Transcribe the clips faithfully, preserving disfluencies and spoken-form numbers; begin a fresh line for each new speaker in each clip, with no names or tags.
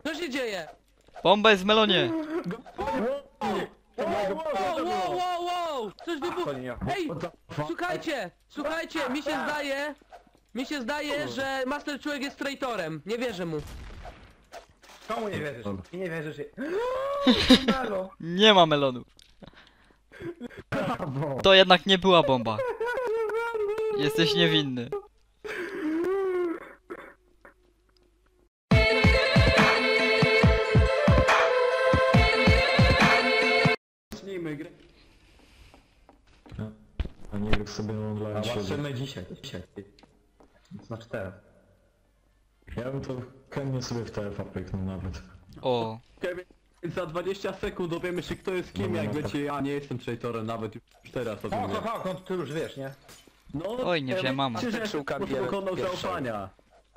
Co się dzieje?
Bomba jest w melonie!
Wow, wow, wow, wow! Coś wybuchło! Ej! Słuchajcie! Słuchajcie! Mi się zdaje... Mi się zdaje, że Master Człowiek jest traitorem. Nie wierzę mu.
Komu nie wierzysz? I nie wierzysz. Melo.
Nie ma melonu. To jednak nie była bomba. Jesteś niewinny.
Zacznijmy grę.
A nie wiem sobie online
A
siedzę.
patrzymy dzisiaj, dzisiaj. Znaczy teraz.
Ja bym to chętnie sobie w T F A pyknął nawet.
O.
Okej, więc za dwadzieścia sekund dowiemy się kto jest kim,
No,
jak
no,
wiecie, ja nie jestem traitorem, nawet już teraz o tym
O,
wiem.
o, o, ty już wiesz, nie?
No,
Oj, nie wziąłem mama.
Krzyżek dokonał
pierwszego.
zaufania.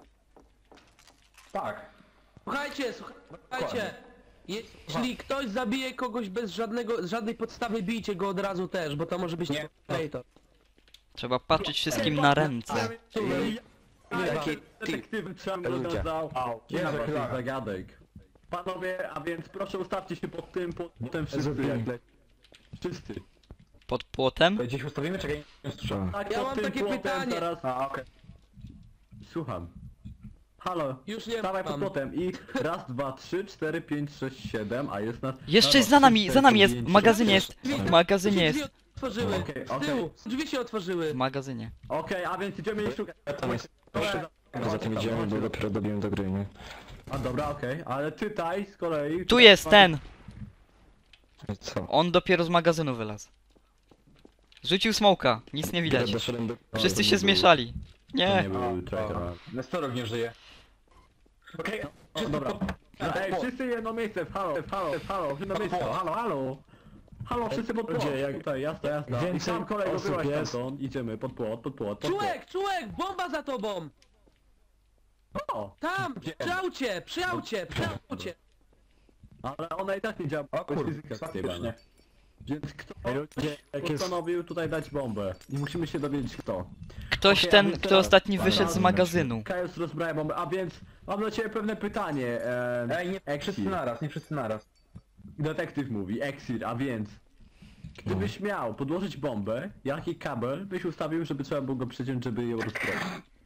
Tak.
Słuchajcie, słuchajcie. Jeśli ktoś zabije kogoś bez żadnego, żadnej podstawy, bijcie go od razu też, bo to może być
Nie.
traitor.
Trzeba patrzeć wszystkim na ręce.
Taki detektywy trzeba dodał. Nie ma takich zagadek. Panowie, a więc proszę ustawcie się pod tym, potem wszyscy jak le... Wszyscy.
Pod płotem?
Gdzieś ustawimy, czekaj, nie słyszałem.
Tak,
Ja
pod
mam
tym
takie
płotem
pytanie.
Teraz...
A, okej.
Słucham. Halo,
Już nie
stawaj pod
mam.
płotem i raz, dwa, trzy, cztery, pięć, sześć, siedem, a jest nas...
Jeszcze
raz,
jest
dwa,
za nami,
trzy,
za nami
cztery,
jest,
pięć,
w magazynie
sześć,
jest,
siedem.
w magazynie
Drzwi
jest,
otworzyły.
Okej,
Z
okej.
tyłu. Drzwi się otworzyły.
w magazynie.
Okej, a więc idziemy i szukać.
tam jest.
Proszę,
Poza tym idziemy, bo dopiero dobiłem do gry, nie?
A dobra, okej, ale tutaj z kolei...
Tu jest ten!
I co?
On dopiero z magazynu wylazł. Rzucił smoka, nic nie widać.
Doszedłem do...
Wszyscy się zmieszali.
To nie
Nie.
był traitor.
Nestorok nie żyje. Okej,
O, dobra. Ej, wszyscy jedno miejsce, w halo, w halo, w halo, w jedno miejsce, halo, halo. Halo, wszyscy pod płot.
Ludzie, jak
Tutaj, jasne, jasne. I
więcej
tam kolego
osób
byłaś
jest-
stamtąd, idziemy, pod płot, pod płot, pod płot.
Czułek, czułek, bomba za tobą!
O,
Tam, przy aucie, przy aucie, przy aucie.
ale ona i tak nie działa,
O
bo
kurde,
jest fizyka
faktycznie.
zjebana. Więc kto
Ej, ludzie, jak jest...
postanowił tutaj dać bombę? I musimy się dowiedzieć kto.
Ktoś
Okej, a
ten,
więc
kto
teraz-
ostatni wyszedł z
teraz-
magazynu.
Kajus rozbraja bombę, a więc mam dla ciebie pewne pytanie. E,
Ej, nie
Exir.
wszyscy naraz, nie wszyscy naraz.
Detektyw mówi, Exir, a więc... Gdybyś miał podłożyć bombę, jaki kabel byś ustawił, żeby trzeba było go przeciąć, żeby ją rozbroić?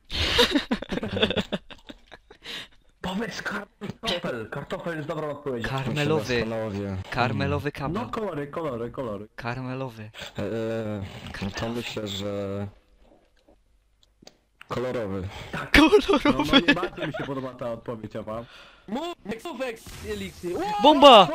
Powiedz kartofel, kartofel jest dobrą odpowiedzią.
Karmelowy,
Panowie.
karmelowy
No
kabel.
kolory, kolory, kolory.
Karmelowy.
Eee, no to myślę, że... Kolorowy.
No, no
Kolorowy.
nie bardzo mi się podoba ta odpowiedź, a wam?
Mów, mów, Elixir.
Bomba!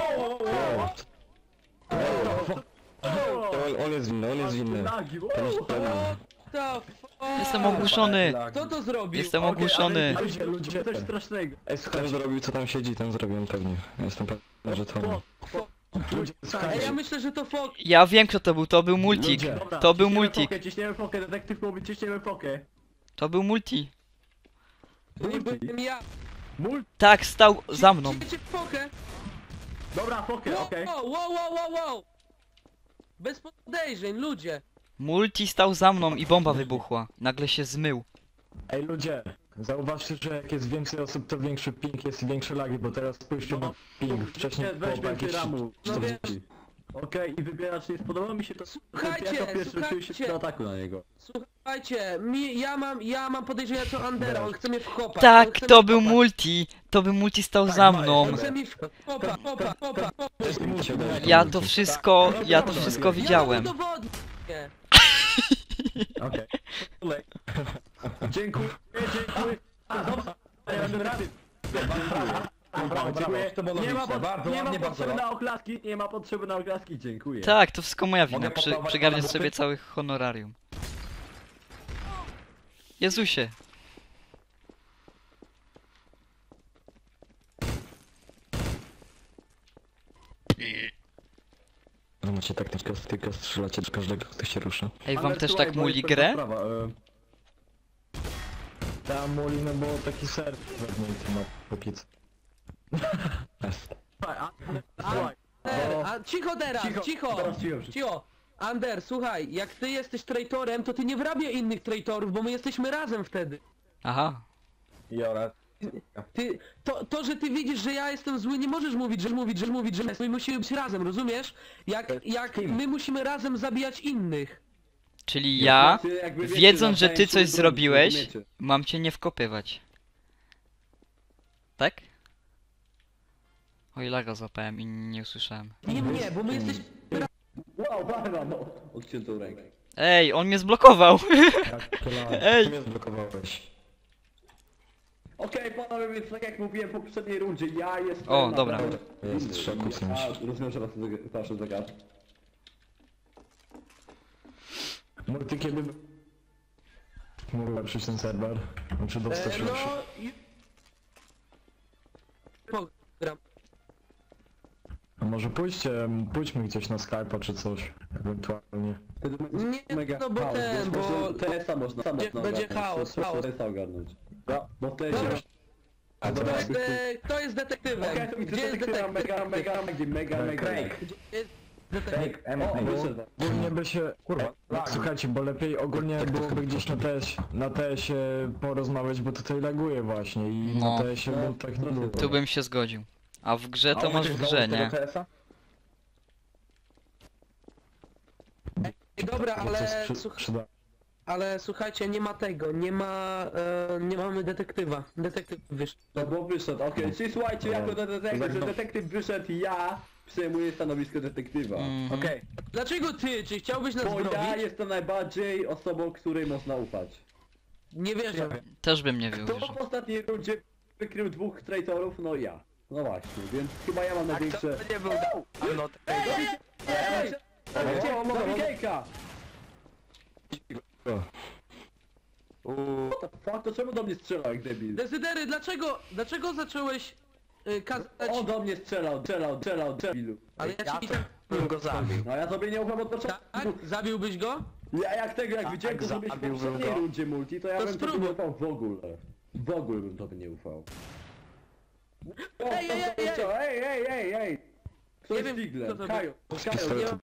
On, on jest winny, on jest winny.
Nagi, o!
To fuck?
Jestem ogłuszony.
Kto to zrobił?
Jestem
Okej,
ogłuszony.
ale Ludzie, ludzie, coś strasznego.
Ej, ten zrobił co tam siedzi, ten zrobiłem pewnie. Jestem pewny, że to on. Ludzie,
Ej,
słuchajcie.
ja myślę, że to fok.
Ja wiem kto to był, to był multik.
Ludzie.
Dobra,
To był
ciśniemy
multik.
Fokę, ciśniemy fokę, detektyw mówi, ciśniemy fokę.
To był multi.
To nie byłem ja.
Mul...
Tak, stał za mną.
Ciśniecie fokę.
Dobra, fokę, okej.
Wow, wow, wow, wow, wow. Bez podejrzeń, ludzie.
Multi stał za mną i bomba wybuchła. Nagle się zmył.
Ej ludzie, zauważcie, że jak jest więcej osób, to większy ping jest i większe lagi, bo teraz spójrzcie na ping. Wcześniej
Nie, weź
było
więcej
jakieś
ramu.
No
czterdzieści. Okej, i wybieracz nie spodobało mi się to.
Słuchajcie,
jako pierwszy czuję się
słuchajcie.
do ataku na niego.
Słuchajcie, mi, ja mam, ja mam podejrzenia co Andera, on chce mnie wkopać. on
Tak,
chce
to
mnie
był
wkopać.
multi. To był multi stał za mną.
On chce mi wkopać, kopa, kopa, kopa.
Ja to wszystko, ja to wszystko
Ja
widziałem.
mu udowodnię.
Okej. Dziękuję, dziękuję. Dobra, ja będę rady.
Brawo,
Dziękuję.
to było
Nie ma,
logiczne,
po,
bardzo
nie ma
ładnie, bardzo
potrzeby
ładnie.
na oklaski, nie ma potrzeby na oklaski, dziękuję.
Tak, to wszystko moja wina.
Mogę
Przy,
podawać
przygarniasz
pana
sobie
buty?
cały honorarium. Jezusie.
No macie taktykę, tylko strzelacie do każdego, kto się rusza.
Ej, wam
Ale
też
słuchaj,
tak
bo
muli
jest
grę?
pewna sprawa, e,
Tam Molino było taki ser wewnętrzny na popiec.
Słuchaj, a- słuchaj,
Ander, a cicho teraz,
Cicho,
cicho,
teraz cicho wszyscy.
cicho. Ander, słuchaj, jak ty jesteś traitorem, to ty nie wrabiaj innych traitorów, bo my jesteśmy razem wtedy.
Aha.
Jora,
ty, to, to, że ty widzisz, że ja jestem zły, nie możesz mówić, że mówić, że mówić, że my musimy być razem, rozumiesz? Jak, jak my musimy razem zabijać innych.
Czyli ja,
Znaczy, jakby wiecie,
wiedząc, że ty
nawzajem
coś
się
zrobiłeś,
rozumiecie.
mam cię nie wkopywać. Tak? Oj, laga złapałem i nie usłyszałem.
Nie mnie, bo my jesteśmy...
Wow, barwa, no. Odciętą rękę.
Ej, on mnie zblokował!
Jak to lag.
Ej.
Ty mnie zblokowałeś.
Okej, panowie, więc tak jak mówiłem po poprzedniej rundzie, ja jestem...
O,
na
dobra.
pewno-
Jest w szoku czymś.
A, rozumiem, że was proszę zagadać.
Multi, kiedy... Mógł przyjść ten serwer? Znaczy dostać
E, no...
lepszy.
i- Pogram.
A może pójście, pójdźmy gdzieś na Skype'a czy coś, ewentualnie.
Nie,
Mega
no bo
chaos,
ten,
wiesz,
bo...
może T S a można, sam
Będzie-
można
będzie
ogarnąć,
chaos,
proszę
chaos.
T S a ogarnąć. No, bo T S
Dobra.
a...
A
Kto
teraz
jest, e, kto jest detektywem?
Okej, to mi
Gdzie jest
detektywa
detektyw?
mega, mega, mega, mega, mega.
Craig.
Gdzie jest detektyw?
Craig, Emo,
O,
Emo.
wyszedł.
Ogólnie by się...
Kurwa, lag.
Słuchajcie, bo lepiej ogólnie byłoby gdzieś na T S, na T S ie porozmawiać, bo tutaj laguje właśnie i
No.
na T S ie
No,
bym tak nie było.
Tu bym się zgodził. A w grze to
A
masz
umiesz
w grze,
dołączyć
nie?
do T S a?
Ej, dobra,
Bo coś
ale,
przy,
słuch
przyda.
ale słuchajcie, nie ma tego, nie ma... E, nie mamy detektywa. Detektyw wyszedł.
No bo wyszedł, okej, czyli słuchajcie, jako detektyw, że detektyw wyszedł, ja przejmuję stanowisko detektywa.
Mhm.
Okej.
Dlaczego ty? Czy chciałbyś nas
Bo ja
zrobić?
jestem najbardziej osobą, której można ufać.
Nie wierzę.
Też bym nie
Kto
wierzył.
w ostatniej rundzie wykrył dwóch traitorów? No ja. No właśnie, więc chyba ja mam największe...
nie był dawno
Ej, ej, ej, ej, zabij Gejka! What the fuck, to czemu do mnie strzelał jak debil?
Dezydery, dlaczego, dlaczego zacząłeś y, kazać...
On do mnie strzelał, strzelał, strzelał, strzelał.
Ale ja
Ja
ci...
to bym go zabił.
No ja sobie nie ufam od
Tak?
początku.
Zabiłbyś go?
Ja jak tego, jak
Tak,
widziałem to zrobić w
zabiłbym
poprzedniej
go.
rundzie multi, to ja
To
bym tobie
spróbuj.
nie ufał w ogóle. W ogóle bym tobie nie ufał. O,
Ej, ej,
to- to-
ej,
to- Ej, ej, ej, ej! Kto
Nie
jest
wiem,
Figlem?
kto to
Kajo,
był.
Kajo, nie